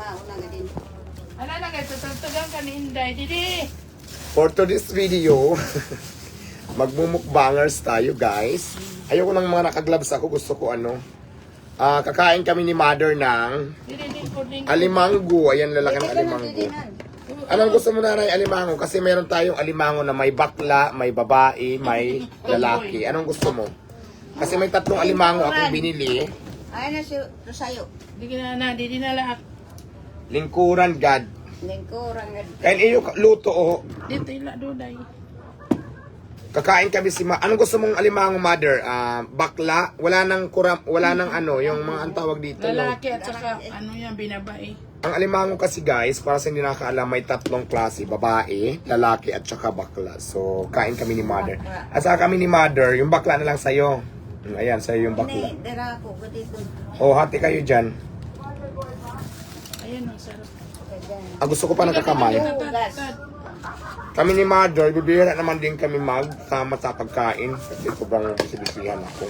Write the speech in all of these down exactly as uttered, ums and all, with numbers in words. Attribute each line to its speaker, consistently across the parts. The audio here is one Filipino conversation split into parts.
Speaker 1: mauna nga din.
Speaker 2: Ano na kayo, tutugtugan ka ni Inday. Didi!
Speaker 3: For today's video, magmumukbangers tayo guys. Ayoko ng mga nakaglabs ako, gusto ko ano. Ah, kakain kami ni mother ng
Speaker 2: Didi, didi, puding.
Speaker 3: alimango. Ayan, lalaki ng
Speaker 1: Dito na,
Speaker 3: alimango.
Speaker 1: dito na.
Speaker 3: Anong gusto mo na rin alimango? Kasi meron tayong alimango na may bakla, may babae, may lalaki. Anong gusto mo? Kasi may tatlong alimango akong binili.
Speaker 1: Ay na si Rosayo.
Speaker 2: Didi na na, didi na lahat.
Speaker 3: Lingkuran, God.
Speaker 1: Lingkurang nga.
Speaker 3: Kain iyo luto oh.
Speaker 2: Dito ila duday.
Speaker 3: Kakain kami si ma. Anong gusto mong alimango, mother? Ah, bakla? Wala nang kuram, wala nang ano, yung mga ang tawag dito, no?
Speaker 2: Lalaki at saka ano yan, binabae.
Speaker 3: Ang alimango kasi guys, para sa hindi nakakaalam, may tatlong klase, babae, lalaki at saka bakla. So, kain kami ni mother. At saka kami ni mother, yung bakla na lang sa'yo. Mm, Ayan, sa'yo yung bakla.
Speaker 1: Hindi, dara ko ko dito.
Speaker 3: O, hati kayo dyan.
Speaker 2: Ayan, ang sarap.
Speaker 3: Ah, gusto ko pa nagkakamay.
Speaker 1: Hugas.
Speaker 3: Kami ni mother, bibihira naman din kami magsama sa pagkain. Kasi sobrang bisibisihan ako.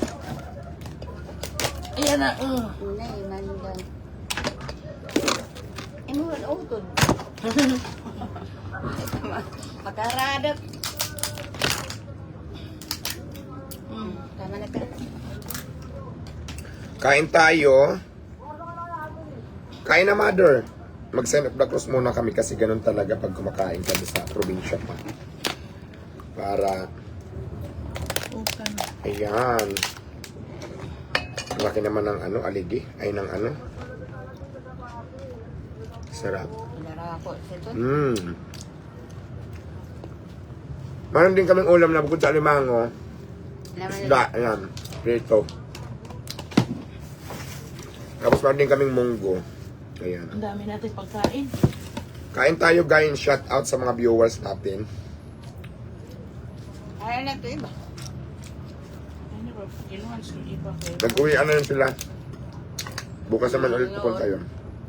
Speaker 2: Ayan na, uh.
Speaker 1: Nay, mandan. Imo ron utod. Makaradap. Hmm, tama na ka.
Speaker 3: Kain tayo. Kain na, mother. Mag-send up the cross muna kami kasi ganun talaga pag kumakain kami sa probinsya pa. Para,
Speaker 2: Ukan.
Speaker 3: ayan. Ang laki naman ng ano, aligi. Ay, ng ano. Sarap.
Speaker 1: Dara ko dito.
Speaker 3: Mmm. Meron din kaming ulam na bukod sa alimango. Isda, ayan. Prito. Tapos meron din kaming munggo. Ayan.
Speaker 2: Ang dami natin pagkain.
Speaker 3: Kain tayo guys, shout out sa mga viewers natin.
Speaker 1: Ay na to iba.
Speaker 2: Ano ba, kinuhan sa iba kayo.
Speaker 3: Nag-uwi ano yun sila. Bukas naman ulit pupunta yun.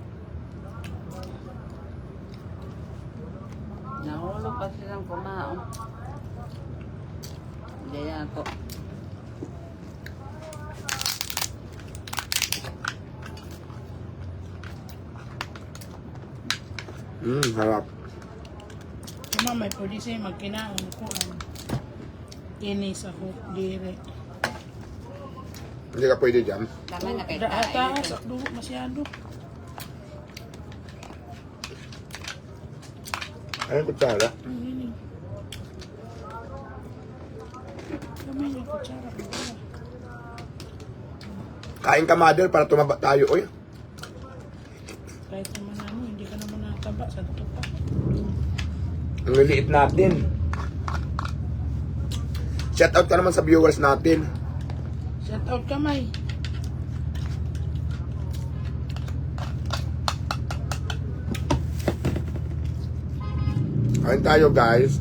Speaker 1: Nahulog pa silang kumaon. Hindi na ako.
Speaker 3: Mmm, harap.
Speaker 2: Kama may pwede sa'yo magkinaon ko ang kinis ako dire.
Speaker 3: Hindi ka pwede dyan.
Speaker 1: Tama na kayo.
Speaker 2: Taas, akdo masyado.
Speaker 3: Ayun, kutsara.
Speaker 2: Ang hiling. Kamay niya kutsara.
Speaker 3: Kain ka, mother, para tumaba tayo. Uy,
Speaker 2: Kahit naman ano, hindi ka naman nataba sa ito pa.
Speaker 3: ang liliit natin. Shout out ka naman sa viewers natin.
Speaker 2: Shout out kamay.
Speaker 3: Kain tayo, guys.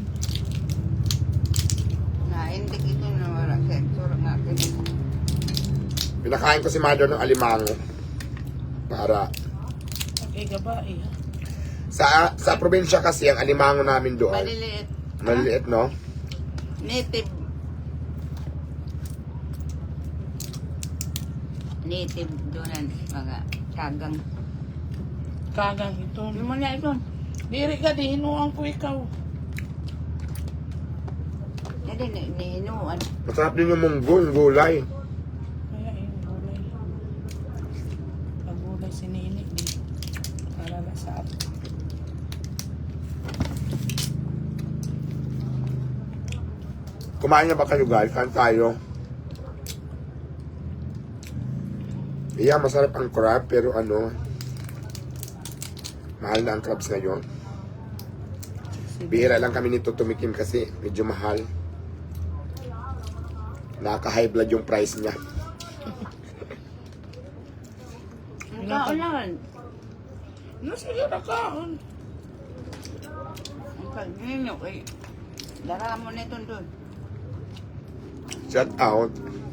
Speaker 1: Naindik ito na wala sa turok natin.
Speaker 3: Pinakain ko si mother ng alimango. Para
Speaker 2: Okay, gabae ha.
Speaker 3: sa sa probinsya kasi ang alimango namin doon.
Speaker 1: Maliliit.
Speaker 3: Maliliit, no?
Speaker 1: Native. Native doon mga kagang.
Speaker 2: Kagang ito.
Speaker 1: Ano mo na ito?
Speaker 2: Diri ka, di hinuang ko ikaw.
Speaker 1: Hindi, nihinuan.
Speaker 3: Masarap din yung munggo, yung gulay.
Speaker 2: Kaya yung gulay. Pag gulay sininik, di. Alala sa ato.
Speaker 3: Kumain na ba kayo, guys? Kain tayo. Yeah, masarap ang crab, pero ano, mahal na ang crabs ngayon. Bihira lang kami nito tumikim kasi medyo mahal. Nakaka-high blood yung price niya.
Speaker 1: Ang kaulan.
Speaker 2: No, sige na kaon.
Speaker 1: Ang pag-ninyo eh. Dara mo na ito doon.
Speaker 3: Shout out.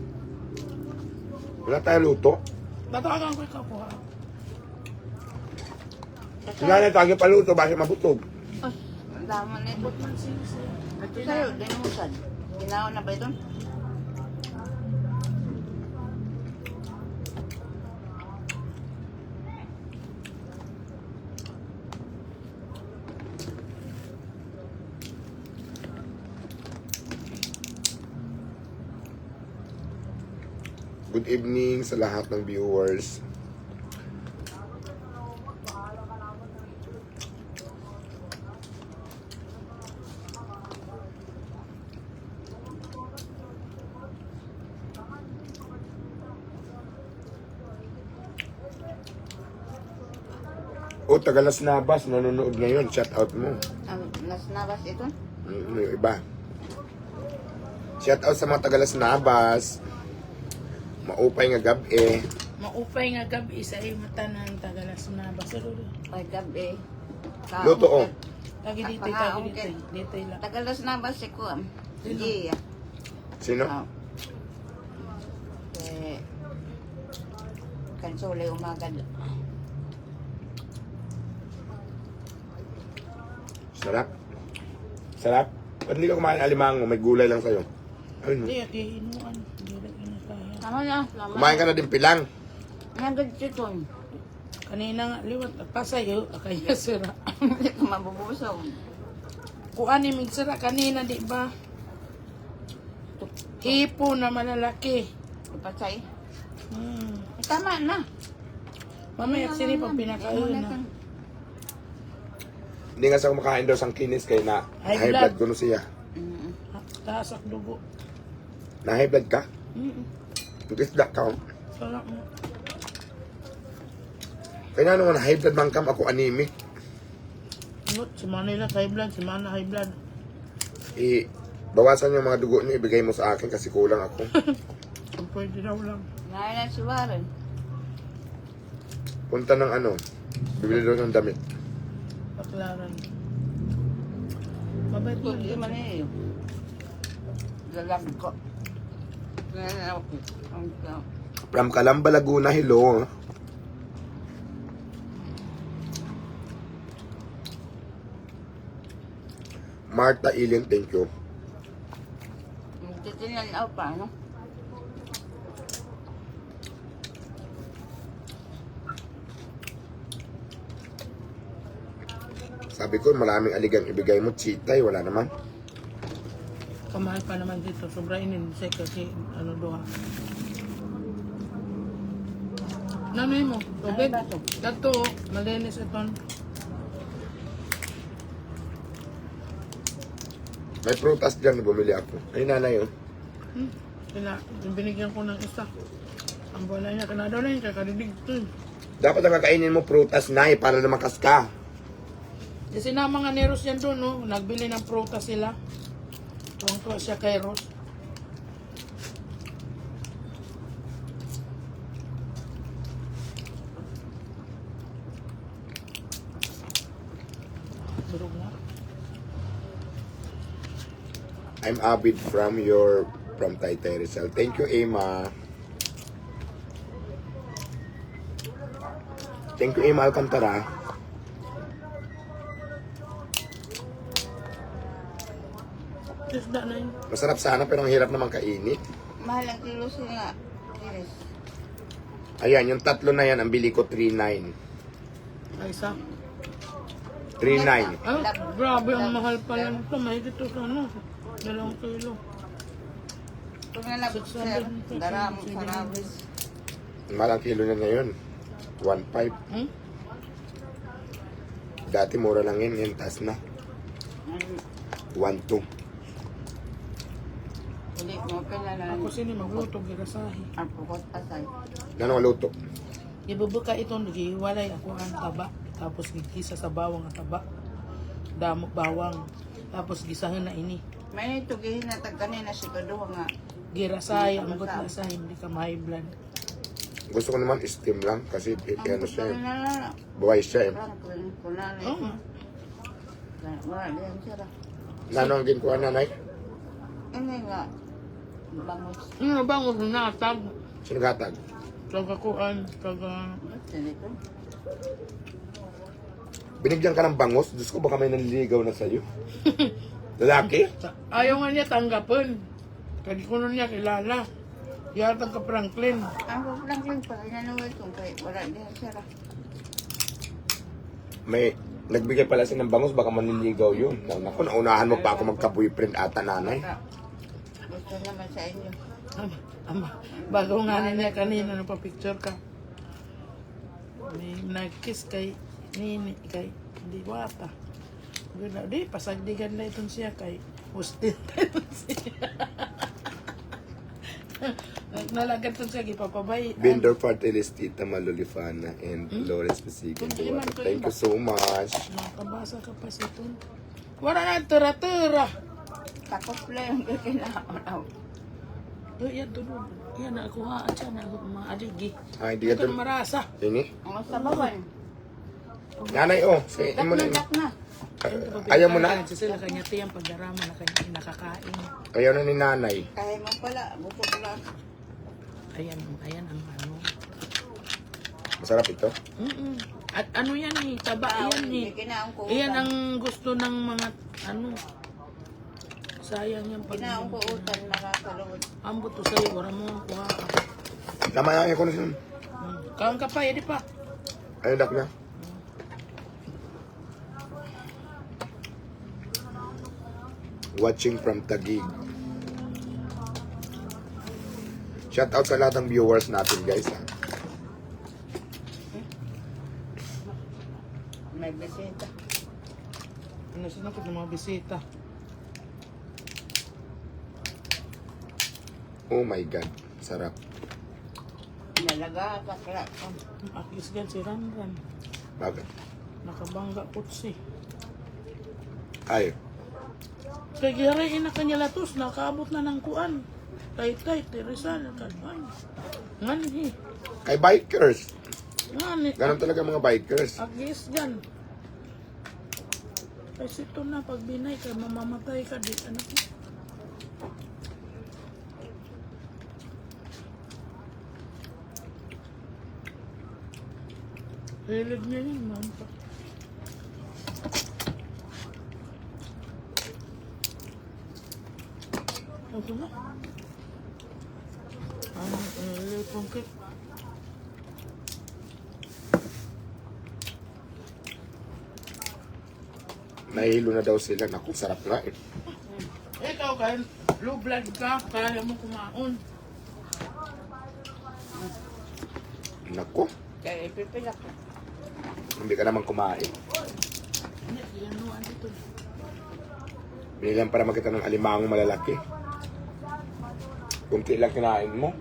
Speaker 3: Wala tayo luto.
Speaker 2: Batagan ko ikaw po ha.
Speaker 3: Wala na tayo paluto, bakit mabutog?
Speaker 1: Ay, ang dami na ito. Ito sa'yo, dinusan. Ginawa na ba ito?
Speaker 3: Good evening sa lahat ng viewers. O, Tagalas Nabas, nanonood ngayon. Shout out mo.
Speaker 1: Ang nas nabas ito?
Speaker 3: Mm, yung iba. Shout out sa mga Tagalas Nabas. Maupay nga gabi.
Speaker 2: Maupay nga gabi sa iyo mata ng tagalas na basuro.
Speaker 1: Ay, gabi. Ka-
Speaker 3: Luto, oh.
Speaker 2: Tagi dito,
Speaker 1: Paka-
Speaker 2: tagi dito.
Speaker 1: okay.
Speaker 2: Dito lang.
Speaker 1: Tagalas nabas si Kuam.
Speaker 2: Sino?
Speaker 1: Iya.
Speaker 3: Sino?
Speaker 1: Oh. Eh, kansole umagad.
Speaker 3: Sarap. Sarap. Ba't hindi ka kumain alimango? May gulay lang sa'yo. Ayun.
Speaker 2: Hindi, di inuan. Hindi rin inakaya.
Speaker 1: Tama na. Tama.
Speaker 3: Kumain ka na din pilang.
Speaker 1: Nagad chiton.
Speaker 2: Kanina nga, liwat. Pasayo, kaya sira.
Speaker 1: Hindi ko mabubusaw.
Speaker 2: Kuan ni migsira kanina, di ba? Hipo na malalaki.
Speaker 1: Ipatay.
Speaker 2: Hmm.
Speaker 1: Tama na.
Speaker 2: Mamaya sini pag pinakain na.
Speaker 3: Hindi nga sa kumakain daw sang kinis kay na
Speaker 2: High
Speaker 3: high
Speaker 2: blood.
Speaker 3: blood ko no siya.
Speaker 1: Mm.
Speaker 2: Taas ang dugo.
Speaker 3: Na high blood ka?
Speaker 2: Mm-mm.
Speaker 3: Isda ka. oh.
Speaker 2: Sarap mo.
Speaker 3: Kaya naman high blood man kam ako anemic.
Speaker 2: Ngot, si Manila high blood, si Mana high blood.
Speaker 3: I bawasan yung mga dugo niyo ibigay mo sa akin kasi kulang ako.
Speaker 2: Kung pwede daw lang.
Speaker 1: Ngayon na si Warren.
Speaker 3: Punta ng ano, bibili daw ng damit.
Speaker 2: Paklaran. Mabait mo.
Speaker 1: Hindi man eh. Galag ko. Ngayon ako. Ang ka.
Speaker 3: From Calamba, Laguna, hello. Marta Ilin, thank you.
Speaker 1: Titinan ako pa, no?
Speaker 3: Sabi ko, maraming aligang ibigay mo, chitay, wala naman.
Speaker 2: Kamahal pa naman dito. Sobra inin. Say kasi ano doha. Nanay mo. Tubig.
Speaker 1: Ano ba to?
Speaker 2: Dato. Malinis ito.
Speaker 3: May prutas dyan, bumili ako. Ay, nanay, oh.
Speaker 2: Hmm. Kina, yung binigyan ko ng isa. Ang bola niya. Kanado na yun. Kakadidig to.
Speaker 3: Dapat ang kakainin mo prutas, nay, para na makas ka.
Speaker 2: Kasi na mga ni Ros yan doon, no? Nagbili ng prutas sila. Tuwang-tuwa siya kay Ros. Durog na.
Speaker 3: I'm Abid from your, from Taytay Rizal. Thank you, Emma. Thank you, Emma Alcantara.
Speaker 2: Isda na yun.
Speaker 3: Masarap sana pero ang hirap naman kainit.
Speaker 1: Mahal ang kilo sila. Iris.
Speaker 3: Ayan, yung tatlo na yan, ang bili ko three nine.
Speaker 2: Ay, isa.
Speaker 3: three nine.
Speaker 2: Ah, grabe ang mahal pala nito. Mahigit ito sa ano. Dalawang kilo.
Speaker 1: Kung nalabot sir, dara mo sa rabis.
Speaker 3: Malang kilo na ngayon. one five.
Speaker 2: Hmm?
Speaker 3: Dati mura lang yun, yan taas na. one two.
Speaker 1: Hindi mo pinala
Speaker 2: Ako sini magluto, girasahi.
Speaker 1: ang pukot asay.
Speaker 3: Ano ang luto?
Speaker 2: Ibubuka ito, nagihiwalay ako ang taba. Tapos gigisa sa bawang ang taba. Damo bawang. Tapos gisahin na ini.
Speaker 1: May tugihin na tag kanina si Kaduha nga.
Speaker 2: Girasay, ang gut na sa hindi ka may blood.
Speaker 3: Gusto ko naman steam lang kasi eh,
Speaker 1: Ang
Speaker 3: ano
Speaker 1: gusto
Speaker 3: siya, eh,
Speaker 1: na na.
Speaker 3: buhay siya eh.
Speaker 1: Parang kun- kunali.
Speaker 2: Oo.
Speaker 1: Wala diyan sira.
Speaker 3: Nano ang ginkuha nanay?
Speaker 1: Ini nga. Bangus.
Speaker 2: Ano ba ang natag?
Speaker 3: Sino gatag?
Speaker 2: Kagakuan, kaga...
Speaker 1: Basta dito.
Speaker 3: Binigyan ka ng bangos? Diyos ko baka may nanliligaw na sa'yo. Lalaki?
Speaker 2: Ayaw nga niya tanggapin. Kadi ko nun niya kilala. Yatang ka Franklin.
Speaker 1: Ang lang lang pa inanuwi ko kay wala diyan sira.
Speaker 3: May nagbigay pala siya ng bangos baka manliligaw yun. Naku, naunahan mo pa ako magka-boyfriend ata nanay.
Speaker 1: Gusto naman sa inyo.
Speaker 2: Ama, bago nga niya kanina nagpa-picture ka. May nag-kiss kay Nini, kay Diwata. Ganda, di, pasagdigan na itong siya kay hostel siya. Nalagan itong siya, ipapabay.
Speaker 3: Vendor Partilis, Tita Malolifana, and Lawrence Pasigan.
Speaker 2: Hindi man ko
Speaker 3: Thank
Speaker 2: iba.
Speaker 3: you so much.
Speaker 2: Nakabasa ka pa sa ito. Wala na, tira-tira.
Speaker 1: Tapos lang yung kinaon.
Speaker 2: Uy, yan, tulog. Yan, nakuhaan siya na mga aligi.
Speaker 3: Ah, hindi
Speaker 2: Hindi
Speaker 3: ka
Speaker 2: ka
Speaker 3: dun.
Speaker 2: marasa.
Speaker 3: Ini?
Speaker 1: Ang sabawan.
Speaker 3: Nanay, oh. Say,
Speaker 1: Dak
Speaker 3: mo
Speaker 1: na,
Speaker 3: na.
Speaker 1: dak na.
Speaker 3: Ayaw mo na?
Speaker 2: Sila kanya tiyang pagdarama na kanya nakakain.
Speaker 3: Ayaw na ni nanay.
Speaker 1: Kaya mo pala, bukod lang.
Speaker 2: Ayan, ayan ang ano.
Speaker 3: Masarap ito.
Speaker 2: Mm-mm. At ano yan eh, taba yan
Speaker 1: Hindi
Speaker 2: eh.
Speaker 1: kinaon ko
Speaker 2: Iyan
Speaker 1: utan.
Speaker 2: ang gusto ng mga ano. Sayang yan pag
Speaker 1: Kinaon ko utan, nakakalawad.
Speaker 2: ambot to sa'yo, wala mo ang kuha ka.
Speaker 3: Tama yan, ko na siya.
Speaker 2: Hmm. Kaon ka pa, edi pa.
Speaker 3: Ayun, dak na. Watching from Taguig. Shout out sa lahat ng viewers natin, guys. Ha?
Speaker 1: May bisita.
Speaker 2: Ano sinakot ng mga bisita.
Speaker 3: Oh my God. Sarap.
Speaker 1: Nalaga, bakla.
Speaker 2: Akis gan si Ranran.
Speaker 3: Bakit?
Speaker 2: Nakabangga putsi.
Speaker 3: Ay.
Speaker 2: Kaya girahin na kanya latos, nakaabot na ng kuan. Tay-tay, Teresal, kalban. Ngani,
Speaker 3: Kay bikers.
Speaker 2: ngani.
Speaker 3: Ganon talaga mga bikers.
Speaker 2: Agis gan. Kasi ito na, pag binay ka, mamamatay ka di. Ano ko? Hilig niya yun, mampa. Ito na. Ano, hilig kong cake.
Speaker 3: Nahihilo na daw sila. Naku, sarap nga eh.
Speaker 2: Ikaw kahit low blood ka, kaya mo kumaon.
Speaker 3: Naku,
Speaker 1: Kaya ipipilak.
Speaker 3: hindi ka naman kumain.
Speaker 2: Hindi, yan no, ano ito.
Speaker 3: Binilang para makita ng alimangong malalaki. Kunti lang kinain mo.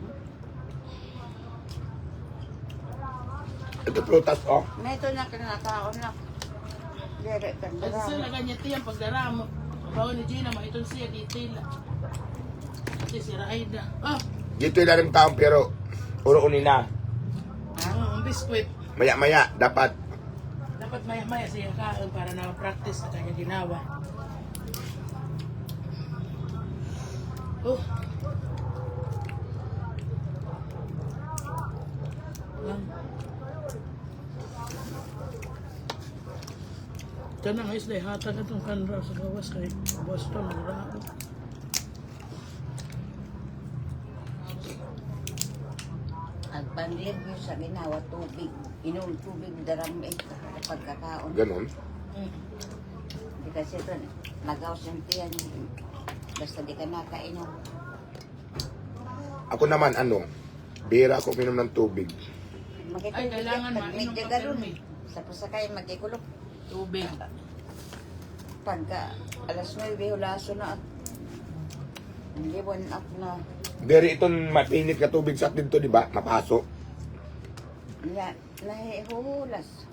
Speaker 3: Ito prutas, oh.
Speaker 1: May ito na kinakaon na. Dire,
Speaker 2: Kasi
Speaker 1: tandara.
Speaker 2: sila ganyan tiyang pagdaramo. Bawa ni Gina, maitong siya, detail. Kasi si Raida. Ah,
Speaker 3: Dito ilalim taong pero puro unina.
Speaker 2: ang biskwit.
Speaker 3: Maya-maya, dapat.
Speaker 2: Dapat maya-maya siya kain para na-practice na kanya ginawa. Oh. Lang. Kanang isla, hatag itong kanra sa gawas kay Boston, nagrao.
Speaker 1: Ang panlib nyo sa ginawa, tubig. Inom tubig, daram eh. Pagkakaon.
Speaker 3: Ganon.
Speaker 2: Mm.
Speaker 1: Di kasi ito, nagaw sentiyan. Basta di ka nakainom.
Speaker 3: Ako naman, ano, bira ako minom ng tubig.
Speaker 2: Ay, kailangan mainom
Speaker 1: Medyo
Speaker 2: ka
Speaker 1: galon.
Speaker 2: permi.
Speaker 1: Sa pasakay, magikulog.
Speaker 2: Tubig.
Speaker 1: Pagka alas nueve, hulaso na at liwan up na.
Speaker 3: Dere itong mapinit na tubig sa atin to, di ba? Mapaso.
Speaker 1: Na, nahihulas.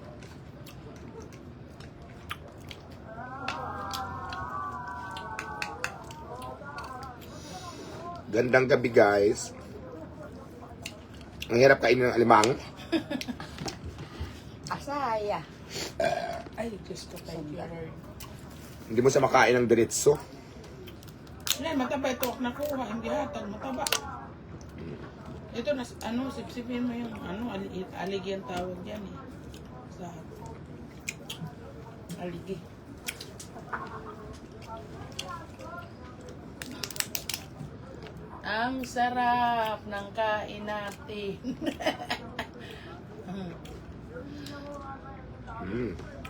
Speaker 3: Gandang gabi, guys. Ang hirap kainin ng alimang.
Speaker 1: Asaya.
Speaker 2: Ay, Diyos ko, thank you, Lord.
Speaker 3: Hindi mo sa makain ng diretso.
Speaker 2: Yan, mataba ito. Nakuha, hindi hatag, mataba. Ito, nas, ano, sipsipin mo yung, ano, ali, aligi ang tawag yan eh. Sa, aligi. Ang sarap ng kain natin.
Speaker 3: Mm.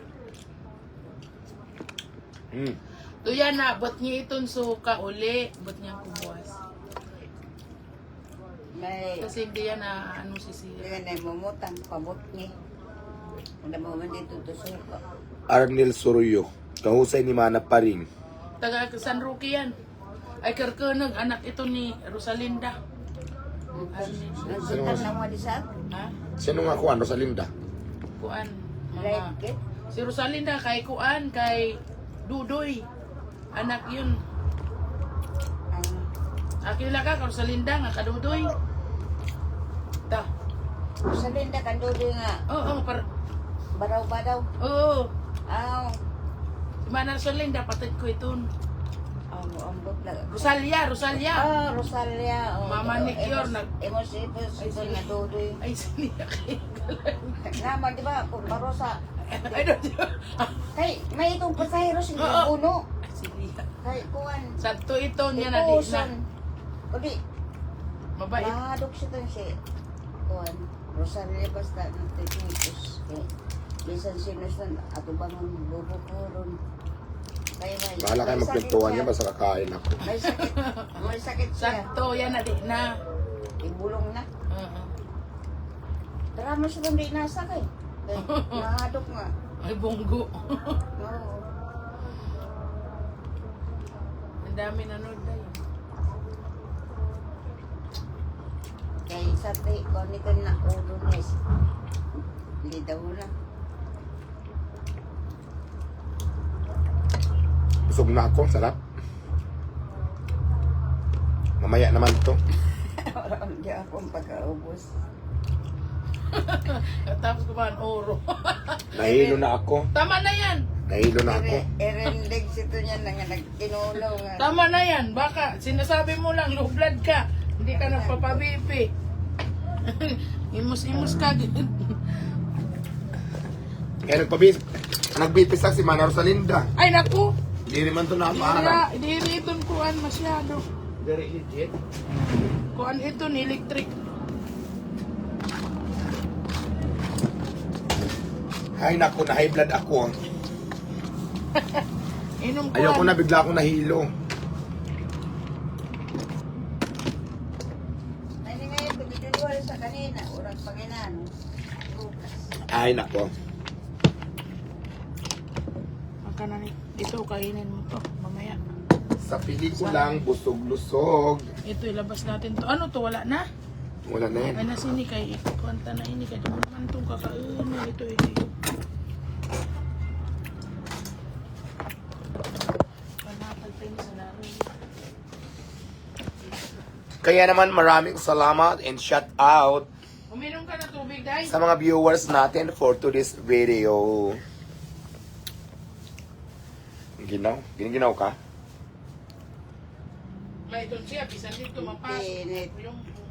Speaker 3: Mm.
Speaker 2: Tuya na, bot niya itong suka uli. Bot niya kubuwas.
Speaker 1: May,
Speaker 2: Kasi hindi yan na ano si Sira.
Speaker 1: hindi na mamutang, pabot niya. Wala mo man dito to suka.
Speaker 3: Arnel Soroyo. Kahusay ni Mana pa rin.
Speaker 2: Taga San Roque yan. Ay karkunag, anak ito ni Rosalinda.
Speaker 1: Nagsitan na mo di sa
Speaker 2: Ha?
Speaker 3: Sino nga kuan, Rosalinda?
Speaker 2: Kuan.
Speaker 1: right
Speaker 2: Mga,
Speaker 1: kit.
Speaker 2: si Rosalinda kay Kuan, kay Dudoy. Anak yun.
Speaker 1: Ang
Speaker 2: Akila ka, kay Rosalinda nga kadudoy. Ta.
Speaker 1: sa linda kandudo nga
Speaker 2: Oo, oh, par...
Speaker 1: baraw-baraw.
Speaker 2: Oo.
Speaker 1: Aw,
Speaker 2: Si Mana Rosalinda, patid ko ito.
Speaker 1: ang ambot na.
Speaker 2: Rosalia, Rosalia.
Speaker 1: Ah, Rosalia. oh.
Speaker 2: Mama ni Kior,
Speaker 1: Emos-
Speaker 2: nag-
Speaker 1: Emos, emos,
Speaker 2: Ay,
Speaker 1: ito
Speaker 2: sige.
Speaker 1: nga dudoy.
Speaker 2: Ay, siniya kay
Speaker 1: Naman, di ba? Kung barosa.
Speaker 2: Ay, don't you?
Speaker 1: Kay, may itong pasahero sa
Speaker 2: Oo.
Speaker 1: puno.
Speaker 2: Ay, siniya.
Speaker 1: Kay, kuwan.
Speaker 2: Sakto ito niya na di na.
Speaker 1: Ipuson. O di,
Speaker 2: Mabait.
Speaker 1: mahadok siya doon siya. Kuwan. Rosalia basta ng technicus. Kay, bisan sinusan, ato bangon bubukuron. Kaya may,
Speaker 3: Bahala kayo
Speaker 1: may sakit
Speaker 3: magpintuan
Speaker 1: siya.
Speaker 3: niya, basta kakain ako.
Speaker 1: May sakit. May sakit siya.
Speaker 2: Sakto yan na di na.
Speaker 1: Ibulong na.
Speaker 2: Oo.
Speaker 1: Tara mo siya doon di nasa kay. Kay, mahadok nga.
Speaker 2: Ay, bunggo.
Speaker 1: Oo.
Speaker 2: Ang dami nanood na yun.
Speaker 1: Kay sa te, kung ito na ulo niya. Hindi daw na.
Speaker 3: Busog na ako, sarap. Mamaya naman to.
Speaker 1: Parang hindi akong pagkaubos.
Speaker 2: Tapos ko ba ang oro?
Speaker 3: Nahilo na ako.
Speaker 2: Tama na yan.
Speaker 3: Nahilo na ako.
Speaker 1: Erendig sito niya na nga nagkinulaw nga.
Speaker 2: Tama na yan. Baka sinasabi mo lang, low blood ka. Hindi ka nagpapabipi. Imus-imus ka.
Speaker 3: Kaya nagpabis, nagbipis lang si Mana Rosalinda.
Speaker 2: Ay, naku.
Speaker 3: Hindi naman to
Speaker 2: Hindi
Speaker 3: napaharap.
Speaker 2: hindi ito kuan masyado.
Speaker 3: Very legit.
Speaker 2: Kuan ito ni electric.
Speaker 3: Ay naku, na high blood ako.
Speaker 2: Inom kuan.
Speaker 3: Ayoko na, bigla akong nahilo.
Speaker 1: Ay, hindi ngayon, tumiduliwal sa kanina. Urang paginano. Bukas.
Speaker 3: Ay nako.
Speaker 2: Maka na ni. Ito, kainin mo to. Mamaya.
Speaker 3: Sa pelikulang busog-lusog.
Speaker 2: Ito, ilabas natin to. Ano to? Wala na?
Speaker 3: Wala na yan.
Speaker 2: Ay, nasini kay kwanta na ini. Kaya naman naman itong kakainin. Ito, eh. Panapal pa yun sa laro.
Speaker 3: Kaya naman maraming salamat and shout out
Speaker 2: Uminom ka na tubig, dahil.
Speaker 3: sa mga viewers natin for today's video. Ginaw? Giniginaw ka?
Speaker 2: May doon siya. Bisan dito, mapas.
Speaker 1: Init.
Speaker 2: Yung